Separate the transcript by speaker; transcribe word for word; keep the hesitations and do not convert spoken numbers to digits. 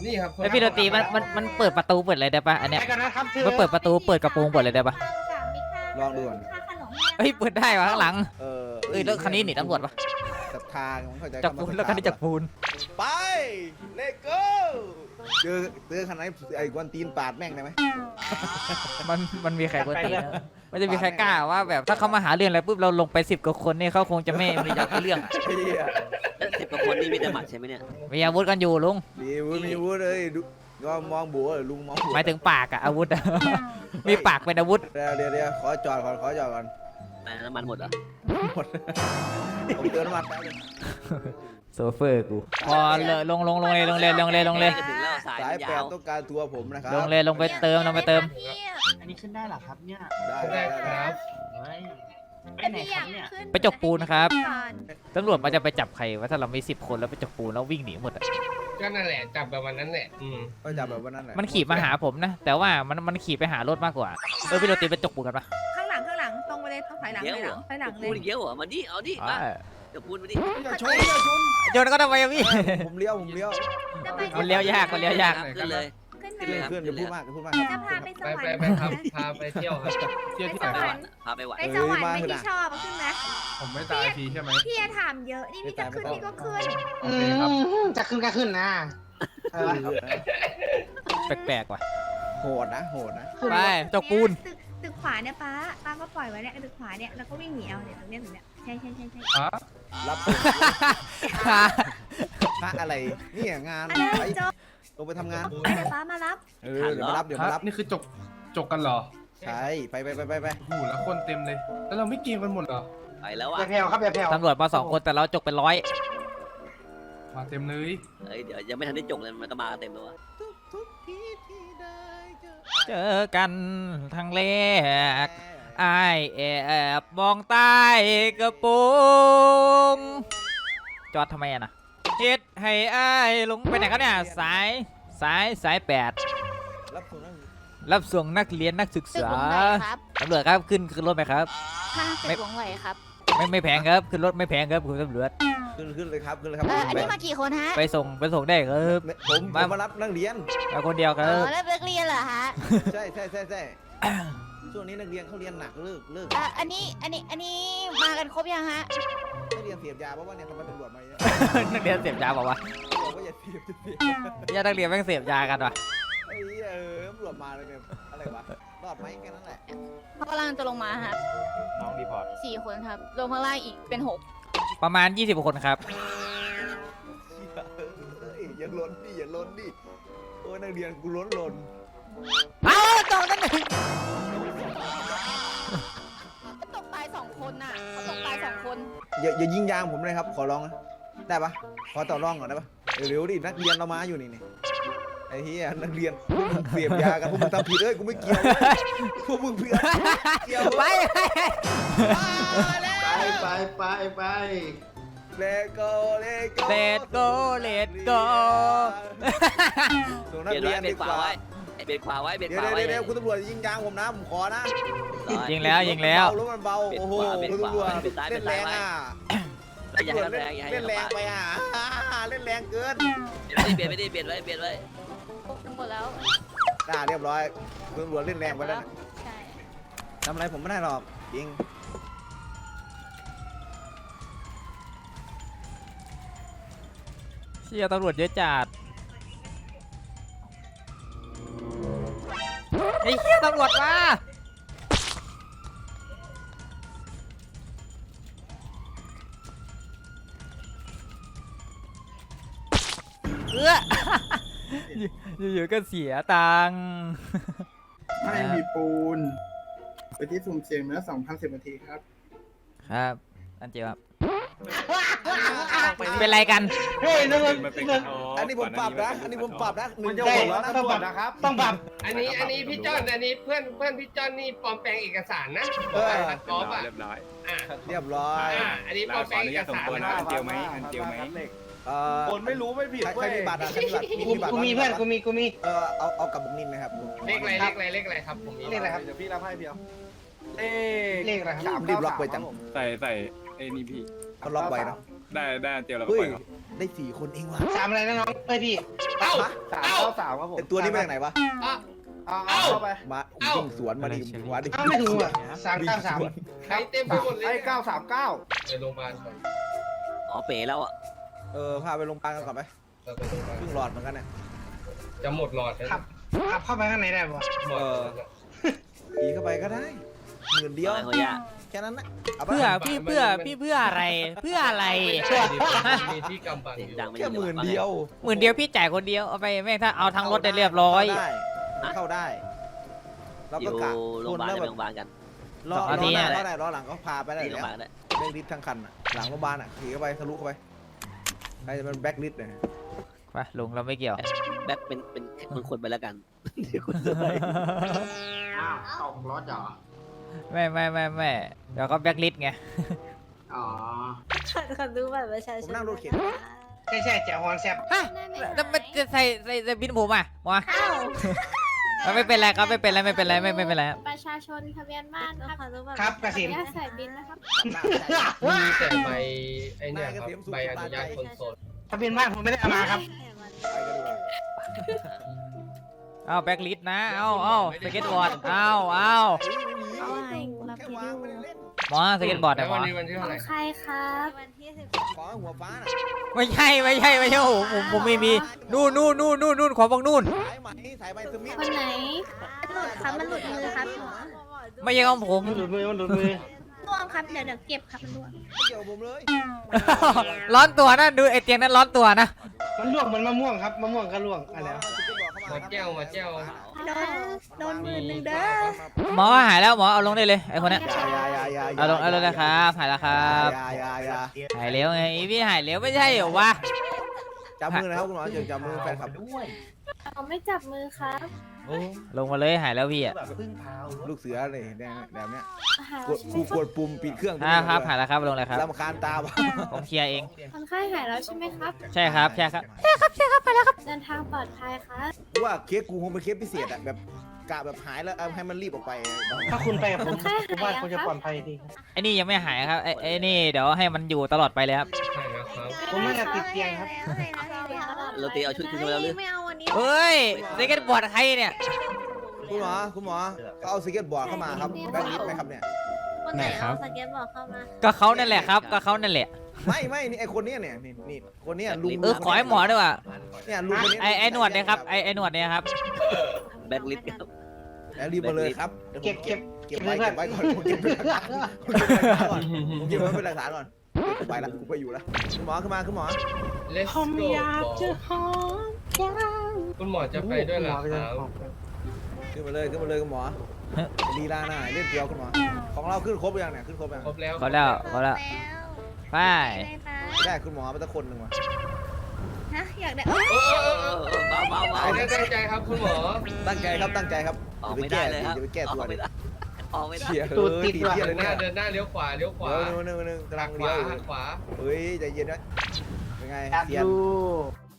Speaker 1: นี่ครับ
Speaker 2: แล้วพี่ดนตรีมันมันมันเปิดประตูเปิดอะไรได้ปะอันเนี้ยมันเปิดประตูเปิดกระโปรงเปิดอะไรได้ปะ
Speaker 3: ลองดูก่อน
Speaker 2: เฮ้ยเปิดได้วะข้างหลัง
Speaker 3: เออ
Speaker 2: เอ้ยแล้วคันนี้หนีตำรวจปะ
Speaker 3: จับทางมันเข้าใจ
Speaker 2: จับปูนแล้วคันนี้จับปูน
Speaker 3: ไปเลโก้เจอเจอคันไหนไอ้กวนตีนปาดแม่งได้ไหม
Speaker 2: มันมันมีใครคนตีนะมันจะมีใครกล้าว่าแบบถ้าเขามาหาเรื่องอะไรปุ๊บเราลงไปสิบกว่าคนเนี่ยเขาคงจะไม่ไม่อยากมีเรื่อง
Speaker 3: ไอ้เหี้ย
Speaker 4: สิบกว่าคนนี่มีแต่หมัดใช่ไหมเนี่ย
Speaker 2: มีอาวุธกันอยู่ลุง
Speaker 3: มีวุ้มีวุ้เลยดูก็มองบัวลุงมองบัว
Speaker 2: หมายถึงปากอะอาวุธอะ มีปากเป็นอาวุธ
Speaker 3: เดี๋ยวเดี๋ยวเดี๋ยวขอจอดก่อนขอจอดก่อน
Speaker 4: แต่น้ำมันหมดเหรอ
Speaker 3: หมดผมเติมน้ำมันแป๊บนึง
Speaker 2: โซเฟอร์กูพอเลยลงลงลงเลยลงเลยลงเลยลงเลย
Speaker 4: จะถึงแล้วสาย
Speaker 3: สาย
Speaker 4: มัน
Speaker 3: แป
Speaker 4: ยา
Speaker 3: ด
Speaker 4: ว
Speaker 3: ต้องการตัวผมนะครับ
Speaker 2: ลงเลยลงไปเติมลงไปเติม
Speaker 5: อันนี้ขึ้นได้เหรอครับเนี่ย
Speaker 3: ได้
Speaker 1: ได้
Speaker 3: ได้
Speaker 1: ค
Speaker 3: ได้
Speaker 1: รับ
Speaker 5: เฮ้ยไป
Speaker 6: แต่
Speaker 5: ไหน
Speaker 6: พี่
Speaker 5: ค
Speaker 6: อ
Speaker 5: รั
Speaker 6: ยา
Speaker 5: บ
Speaker 6: ก
Speaker 5: เนี่ย
Speaker 6: ขึ้น
Speaker 2: ไปจกปูนครับ
Speaker 6: ก่อน
Speaker 2: ตำรวจมันจะไปจับใครว่าถ้าเรามีสิบคนแล้วไปจกปูนแล้ววิ่งหนีหมดอะ
Speaker 1: ก็นั่นแหละจับแบบวันนั้นแหละอืม
Speaker 3: ก็จับแบบวันนั้นแหละ
Speaker 2: มันขี่มาหาผมนะ แต่ว่ามันมันขี่ไปหารถมากกว่าเออพี่โรตีไปจกปูนกันปะ
Speaker 6: ข้างหลังข้างหลังตรงไปเลยต้องถอยหลัง
Speaker 4: เย
Speaker 6: ถ
Speaker 4: อะ
Speaker 6: อยห
Speaker 4: เหร
Speaker 6: ลั
Speaker 4: อง
Speaker 6: ถอยหลังเล
Speaker 4: พูด
Speaker 6: ย
Speaker 4: เยอะเหรอมาดิเอาดิมา
Speaker 2: อ่า
Speaker 4: เดี๋ยวพูดมาดิ
Speaker 3: อย่าชนอย่าชน
Speaker 2: โยนก็ทำไมอะพี่
Speaker 3: ผมเลี้ยวผมเลี้ยว
Speaker 6: จะไป
Speaker 2: มันเลี้ยวยากมันเลี้ยวยาก
Speaker 4: ขึ้นเลย
Speaker 6: ขึ้น
Speaker 4: ขึ้
Speaker 6: มาน
Speaker 4: เลย
Speaker 3: เพื่อนอย่าพูดมากอย่าพูดมาก
Speaker 6: จะพาไปส
Speaker 1: ไป
Speaker 6: วรร
Speaker 1: ไป
Speaker 6: ค์
Speaker 1: ไปครับพาไปเที่ยวครับเที่ยวที่
Speaker 4: พา
Speaker 1: ไหน
Speaker 4: ไปหวันพาไปหวัน
Speaker 6: ไปสวรรค์ไปที่ชอบอะขึ้นไหม
Speaker 1: ผมไม่ตายฟรีใช่ไหม
Speaker 6: พี่จะถามเยอะนี่พี่จะขึ้นพี่ก็ขึ้น
Speaker 1: โอเคครับ
Speaker 5: จะขึ้นก็ขึ้นนะเออ
Speaker 2: แปลกๆว่ะ
Speaker 3: โหดนะโหดนะ
Speaker 2: ไปจกปูน
Speaker 6: ตึกตึกขวาเนี่ยป้าป้าก็ปล่อยไว้เนี่ยตึกขวาเนี่ยแล้วก็วิ่งหนีเอาเนี่ยตรงเนี้ยตรงเนี้ยใช่ใช่ใช่ใช่
Speaker 1: อ๋อ
Speaker 3: รับพระอะไรเนี่ยงาน
Speaker 6: อะไร
Speaker 3: ไป
Speaker 6: โจ๊ก
Speaker 3: ลงไปทำงาน
Speaker 6: เดี๋ยวป้ามารับ
Speaker 3: เออเดี๋ยวมารับเดี๋ยว
Speaker 1: ฮะ
Speaker 3: มารับ
Speaker 1: นี่คือจกจกกันเหรอ
Speaker 3: ใช่ไปไปไปไปไป
Speaker 1: โอ้โหแล้วคนเต็มเลย แล้วเราไม่เกมกันหมดเหรอ
Speaker 4: ไปแล้วอ่ะ
Speaker 5: อย่าแผ่วครับอย่าแผ่ว
Speaker 2: ตำรวจมาสองคนแต่เราจกเป็นร้อย
Speaker 1: มาเต็มเลย
Speaker 4: เอ้ยเดี๋ยวยังไม่ทันได้จกเลยมันก็มากันเต็มแล้วอ่ะ
Speaker 3: ทุกทีที่ได้เจอ
Speaker 2: เจอกันทางแรกไอายแอบมองใต้กระโปรงจอดทำไมอะนะเฮ็ดให้ไอ้ายลงไปไหนครับเนี่ยสายสายสายแปด
Speaker 3: รับส่งนั่ง
Speaker 2: รับส่งนักเรียนนักศึก
Speaker 7: ตึก
Speaker 2: ษา
Speaker 7: หลงไหลครับ
Speaker 2: ตำรวจครับขึ้นขึ้นรถไหมครับ
Speaker 7: ข้างตึกหลงไหลครับ
Speaker 2: ไม่ไม่แพงครับขึ้นรถไม่แพงครับคุณตำรวจ
Speaker 3: ขึ้นขึ้นเลยครับขึ้นเลยครับ
Speaker 7: เอออันนี้มากี่คนฮะ
Speaker 2: ไปส่งไปส่งได้ครับ
Speaker 3: ผมผมมารับนักเรียน
Speaker 2: มาคนเดียวค
Speaker 7: อ๋
Speaker 2: รับ
Speaker 7: อแล้วนักเรียนเหรอฮะ
Speaker 3: ใช่ใช่ใช่ใช่ช่วงนี้นักเรียนเขาเรียนหนักเลิกเลิก
Speaker 7: อ่ะอันนี้อันนี้อันนี้มากันครบยังฮะ
Speaker 3: นักเรียนเสพยาเพราะว่าเนี่ยทำไมตำรวจมาเนี่ย
Speaker 2: นักเรียนเสพยาบอกว่า
Speaker 3: บอกว่าอย่าเสพจะเสพ
Speaker 2: ญาตินักเรียนแม่งเสพยากันว่ะ
Speaker 3: ไอ้เหี้ยเออตำรวจมาเลยเนี่ยอะไรวะรอดไหมแค่นั้นแหละ
Speaker 7: เขากำลังจะลงมาครับ
Speaker 8: น้องรีพอร์ต
Speaker 7: สี่คนครับลงข้างล่างอีกเป็นหก
Speaker 2: ประมาณยี่สิบคนครับ
Speaker 3: เอ้ยอย่าล้นดิอย่าล้นดิโอ้ยนักเรียนกูล้นล้น
Speaker 2: อ้าวตกนั่นเอง
Speaker 7: เขาตกตายสองคนน่ะเขาตกตายสองคน
Speaker 3: อย่าอย่ายิงยางผมเลยครับขอร้องนะได้ปะขอต่อรองก่อนได้ปะเร็วๆดินักเรียนเรามาอยู่นี่นี่ไอ้เหี้ยนักเรียนพวกมึงเสพยากันพวกมึงทำผิดเอ้ยกูไม่เกี่ยวเว้ยพวกมึงเพื่อนเกี่ยว
Speaker 2: ไป
Speaker 3: ไป
Speaker 5: ไปไปไป
Speaker 3: เลโก้เลโก้
Speaker 2: เลดโกเลดโก
Speaker 3: ส่งนั
Speaker 4: เบี
Speaker 3: ก
Speaker 4: ยด
Speaker 3: เรี
Speaker 4: ไว้
Speaker 3: ยน
Speaker 4: เบี
Speaker 3: ดี
Speaker 4: ยด
Speaker 3: ก
Speaker 4: ขวา
Speaker 3: ว่า
Speaker 4: ไว้เบียดขวาไว้เบียด
Speaker 3: เดี๋ยว
Speaker 4: ขวาไว้
Speaker 3: เดี๋ยวเดี๋ยวคุณตำรวจยิงยางผมนะผมขอนะ
Speaker 2: ยิงแล้วยิงแล้ว
Speaker 3: รถมันเบารถมันเบาโอ้โหคุณตำรวจเล่นแรงอ่ะ
Speaker 4: อย่าให้มันแรงอย่าให้
Speaker 3: เล่น
Speaker 4: มัน
Speaker 3: แรง
Speaker 4: ปาด
Speaker 3: ไปอ่ะเล่นแรงเกิน
Speaker 4: เบียดไม่ได้เบียดไว้เบียดไว้
Speaker 7: ทั้งหมดแล้ว
Speaker 3: น่าเรียบร้อยคุณตำรวจเล่นแรงไปแล้วนะ
Speaker 7: ใช่
Speaker 3: ทำอะไรผมไม่ได้หรอกจริง
Speaker 2: เชี่ยตำรวจเยอะจัดไอ้เหี้ยตำรวจมาเออ อยู่ๆก็เสียตังค์
Speaker 9: ไม่มีปูน ไปที่สุ่มเสี่ยงเนื้อสองพันสิบนาทีครับ
Speaker 2: ครับอันเจียวครับเป็นไรกัน
Speaker 5: เฮ้ยนั่นมัน
Speaker 8: มันเป็น
Speaker 5: นั่น
Speaker 3: อันนี้ผมปรับนะ อันนี้ผมปรับนะหนึ่ง
Speaker 5: จะ
Speaker 3: จะ
Speaker 5: บ
Speaker 3: ห
Speaker 5: อก
Speaker 3: ก
Speaker 5: ว่า
Speaker 3: แล้วนะ
Speaker 5: ต้องปรับนะครับ ต้องปรับ
Speaker 1: อันนี้อันนี้พี่จอนอันนี้เพื่อนเพื่อนพี่จอนนี่ปลอมแปลงเอกสารนะคัดกอล์ฟอ่ะ
Speaker 8: เรียบร้อย
Speaker 1: อ่ะ
Speaker 3: เรียบร้อย
Speaker 1: อ่ะอันนี้ปล
Speaker 8: เรา
Speaker 1: อม
Speaker 8: ข
Speaker 1: แปล
Speaker 8: อง อนุ
Speaker 1: เอ
Speaker 8: ญาก ตส่ง
Speaker 1: สาร
Speaker 8: ตัวนะ
Speaker 1: นะ
Speaker 8: อันเจียวไหมอันเจียวไหม
Speaker 3: เอ่อ
Speaker 9: คนไม่รู้ไม่ผิด
Speaker 3: ใครใคร
Speaker 9: เว้ย
Speaker 3: มีบัตรอ่ะใครมีบัตร
Speaker 5: กู
Speaker 3: มีบัตร
Speaker 5: กูมีเพื่อนกูมีกูมี
Speaker 3: เออเอาเอากับบุกนินนะครับ
Speaker 1: เลขอะไรเลขอะไรเลขอะไรครับผมมี
Speaker 5: เลขอะไรครับ
Speaker 9: เดี๋ยวพี่รับให้เพียวเล
Speaker 5: เลขอะไรครับ
Speaker 3: รีบล็อกไว้จัง
Speaker 8: ใส่ใส่ไอ้นี่พี่
Speaker 3: เขาล็อกไว้นะ
Speaker 8: ได้ได้อันเดียวแล้วก็
Speaker 3: เฮ้
Speaker 8: ป
Speaker 3: ย
Speaker 8: ล่อยครับ
Speaker 3: ได้สี่คนเองว่ะ
Speaker 5: สามอะไรนะน้องเอ้ยพี่
Speaker 1: เอ้า
Speaker 5: สาม
Speaker 1: เอ้า
Speaker 5: เก้าสามครับผม
Speaker 3: แต่ตัวนี้มาจากไหนวะ
Speaker 1: อ่ะ
Speaker 5: เอา
Speaker 1: เอ้า
Speaker 5: เอาเข้าไป
Speaker 3: มา
Speaker 1: เอ้า
Speaker 3: วิ่งสวนมาดิหัวดิ
Speaker 5: เอ้าไม่ถูกอ่ะสามเก้าสาม
Speaker 1: ใครเต็มไปหมดเลย
Speaker 5: ไอ้เก้าสามเก้า
Speaker 1: ไปโรงพยาบาลก่อน
Speaker 4: อ๋อเป๋แล้วอ่ะ
Speaker 3: เออพาไปโรงพยาบาลกันก่อนไป
Speaker 1: เราไปโรงพยาบาล
Speaker 3: ครึ่งหลอดเหมือนกันเนี่ย
Speaker 1: จะหมดหลอดแล้ว
Speaker 5: ขับขับเข้าไปข้างในได้ปะ
Speaker 1: หมด
Speaker 3: เออ ขี่เข้าไปก็ได้หมื่นเดียว
Speaker 4: อะไรเขาย่า
Speaker 3: แค่นั้นนะาไป
Speaker 2: เพื่อพี่เพื่อพี่เพื่ออะไรเพื่ออะไร
Speaker 1: ไม่ได้ดิมีที่กำบัง
Speaker 4: เสีย
Speaker 1: อง ยู่
Speaker 4: ดังไม่
Speaker 3: แค่หมื่นเดียว
Speaker 2: หมื่นเดียวพี่จ่ายคนเดียวเอาไปแม่งถ้าเอาทั้งรถได้เรียบร้อย
Speaker 3: เข้าได้เข้าได้เรา
Speaker 4: อ
Speaker 3: ก็
Speaker 4: ยู่
Speaker 3: กะ
Speaker 4: โรงพยาบาล
Speaker 3: แล้ว
Speaker 4: ไป
Speaker 3: แบบ
Speaker 4: โรงพยาบาลกัน
Speaker 3: ล้อ
Speaker 2: สอง
Speaker 3: ล้
Speaker 2: นาที
Speaker 3: อหน้า
Speaker 2: อะ
Speaker 3: ล้อไหนล้อหลังก็พาไปได้
Speaker 4: ที่โรงพ
Speaker 3: แล้
Speaker 4: ยาว บาลได้
Speaker 3: แบ็กลิสทั้งคันอะหลังโรงพยาบาลอ่ะขี่เข้าไปทะลุเข้าไปใครจะเป็นแบ็กลิสเนี่ย
Speaker 2: ไปลุงเราไม่เกี่ยว
Speaker 4: แบ็คเป็นเป็นเป็นคนไปแล้วกันเดี๋ยวคุณจะไป
Speaker 5: อ้าวตกรถเหรอ
Speaker 2: ไม่ไม่ไม่ไม่เดี๋ยวก็แบ็คลิสต์ไง
Speaker 5: อ๋อ
Speaker 6: ขอดูบัตรประชาช
Speaker 3: ผม
Speaker 6: น
Speaker 3: นั่งรถเข็น
Speaker 5: ใช่ใช่แจ๋วฮอนแซบ
Speaker 2: ฮะแล้วมันจะใส่ใส่ใส่บินผมอ่ะวะ
Speaker 6: อ้าว
Speaker 2: มันไม่เป็นไรครับไม่เป็นไรไม่เป็นไรไม่ไม่เป็นไร
Speaker 7: ประชาชนทะเบียนบ้านครับ
Speaker 6: ขอดูบัตร
Speaker 5: ครับกสิน
Speaker 7: ญาตใส่บินนะครับ
Speaker 1: มีแต่ใบไอ้เนี่ยครับใบอนุญาตคนโสด
Speaker 5: ทะเบียนบ้านผมไม่ได้เอามาครับ
Speaker 3: ไปกันดีกว่า
Speaker 2: เอาแบ็คลิสต์นะเอาเอาสเก็ตบอร์ดเอาเอา
Speaker 6: เอาไว้รับ
Speaker 3: แค่
Speaker 6: ผิด
Speaker 3: วาง
Speaker 6: ดู
Speaker 3: ไม่ได้เล่น
Speaker 2: หมอสเก็ตบอร์ด
Speaker 1: แล้
Speaker 2: นะ
Speaker 1: ว
Speaker 2: หม
Speaker 1: วั
Speaker 2: อน
Speaker 1: นี้วันที่เท่าไหร่
Speaker 6: ใครครับ วันที่สิบ
Speaker 3: ขอหัวฟ้าน่ะ
Speaker 2: ไม่ใช่ไม่ใช่ไม่ใช่โอ้โหผมผมไม่มีนู่นนู่นนู่นนู่นนู่นขอบอกนู่น
Speaker 3: สายไหมสายใบสมิธ
Speaker 6: คนไหนหลุดครับมันหลุดมือครับหมอ
Speaker 2: ไม่ใช่ของผม
Speaker 5: มันหลุดมือมันหลุดมือ
Speaker 6: ร่วงครับเดี๋ยวเดี๋ยวเก็บครับมันร่วง
Speaker 3: ไม่เกี่ยวกับผมเลย
Speaker 2: ร้อนตัวนะดูไอเตียงนั้นร้อนตัวนะ
Speaker 5: มันล่วงเหมือนมะม่วงครับมะม่วงก็ล่วงอะไรวะ
Speaker 1: มาแก้วมาแก้ว
Speaker 6: โดนโดนหมื่นหนึ่งเด้อ
Speaker 2: หมอหายแล้วหมอเอาลงได้เลยไอคนเนี้ย
Speaker 3: ยายายายา
Speaker 2: เอาลงเอาลงเลยครับหายแล้วครับ
Speaker 3: ยายายา
Speaker 2: หายเร็วไงพี่หายเร็วไม่ใช่เหรอวะ
Speaker 3: จับมือนะครับคุณหมอเจอจับมือแฟนคลับ
Speaker 7: ผมไม่จับมือครับ
Speaker 2: ลงมาเลยหายแล้วพี่อ่ะ
Speaker 3: ลูกเสือเลยแดงแบบเนี้ย
Speaker 7: หาย
Speaker 3: ก
Speaker 7: แล้ว
Speaker 3: ด
Speaker 7: ใช่ไหม
Speaker 3: กูกดปุ่มปิดเครื่อง
Speaker 2: อ่าครับหายแล้วครับลงเลยครับ
Speaker 3: ลำคาญตาว่ะ
Speaker 2: ผมเคลียร์เอง
Speaker 7: คนไข้หายแล้วใช่ไหมครับ
Speaker 2: ใช่ครับใช่ครับ
Speaker 7: เดินทางปลอดภัยครับ
Speaker 3: ว่าเคสกูคงเป็นเคสพิเศษอะแบบกะแบบหายแล้วเอาให้มันรีบออกไป
Speaker 5: ถ้าคุณไปกับผมผมว่าคุณจะปลอดภัยดี
Speaker 2: ไอ้นี่ยังไม่หายครับไอ้ไอ้นี่เดี๋ยวให้มันอยู่ตลอดไปเลยครับ
Speaker 1: ใช่แล้วครับ
Speaker 5: ผมน่าจะติดเตียงครับ
Speaker 4: เราตีเอาชุดขึ้นมาแล้วหรือ
Speaker 6: ไม่เอาวันนี้
Speaker 2: เฮ้ยสเก็ตบอร์ดใครเนี่ย
Speaker 3: คุณหมอคุณหมอเขาเอาสเก็ตบอร์ดเข้ามาครับแบ็คลิสไหมครับเนี่ย
Speaker 6: คนไหนเอาสเก็ตบอร์ดเข้ามา
Speaker 2: ก็เขานั่นแหละครับก็เขานั่นแหละ
Speaker 3: ไม่ไม่นี่ไอคนเนี้ยเนี่ยนี่นี่คนเนี้ยลุง
Speaker 2: เออขอให้หมอด้วยว่ะ
Speaker 3: เนี่ยลุงคนนี้
Speaker 2: ไอ้ไอ้หนวดเนี่ยครับไอ้ไอ้หนวดเนี่ยครับ
Speaker 4: แบ็คลิสต์ครับ
Speaker 3: แล้วรีบมาเลยครับดี๋ยวผม
Speaker 5: เก็บเก็บ
Speaker 3: เก็บไว้เก็บไว้ก่อนผมเก็บเป็นหลักฐานผมเก็บเป็นหลักฐานก่อนผมเก็บไว้เป็นหลักฐานก่อนกูไปละกูไปอยู่ละคุณหมอขึ้นมาคุณหมอ
Speaker 1: เลสโก้คุณหมอจะไปด้วยเหรอครับ
Speaker 3: ขึ้นมาเลยขึ้นมาเลยคุณหมอลีลาหน่อยเล่นเดียวคุณหมอของเราขึ้นครบยังเนี่ยขึ้นครบยัง
Speaker 1: ครบแล้ว
Speaker 2: พอแล้วพอแล้วไป
Speaker 3: ไม่ได้คุณหมอไปตะคนหนึ่งว่ะ
Speaker 6: ฮะอยากได้
Speaker 1: เออเออเออ
Speaker 4: เออเบาเบาเบา
Speaker 1: ไม่ได้ตั้งใจครับคุณหมอ
Speaker 3: ตั้งใจครับตั้งใจครับ
Speaker 4: ออก
Speaker 3: อย่าไป
Speaker 4: ไม่
Speaker 3: แก้
Speaker 4: ได้เลยครับ
Speaker 3: อย่าไปแก้
Speaker 4: อ
Speaker 3: ตัว
Speaker 4: อกไม่
Speaker 3: เดี๋ยว
Speaker 4: ได้ออกไม่ได้
Speaker 3: เชียร์
Speaker 5: ตูด
Speaker 3: เออ
Speaker 5: ติด
Speaker 3: ติด
Speaker 5: ว่ะ
Speaker 3: เชียร์
Speaker 1: เดิ
Speaker 3: เลย
Speaker 1: นห
Speaker 3: เนี่
Speaker 1: น้าย เดินหน้าเลี้ยวขวาเลี้ยวขวา
Speaker 3: เดี๋ยวนึงนึงนึงกำลั
Speaker 1: หั
Speaker 3: ง
Speaker 1: กข
Speaker 3: เลี้
Speaker 1: วา
Speaker 3: ยวอยู่
Speaker 1: หักขวา
Speaker 3: เฮ้ยใจเย็นนะเป็นไง
Speaker 5: อยาก
Speaker 3: เซียน
Speaker 5: ดู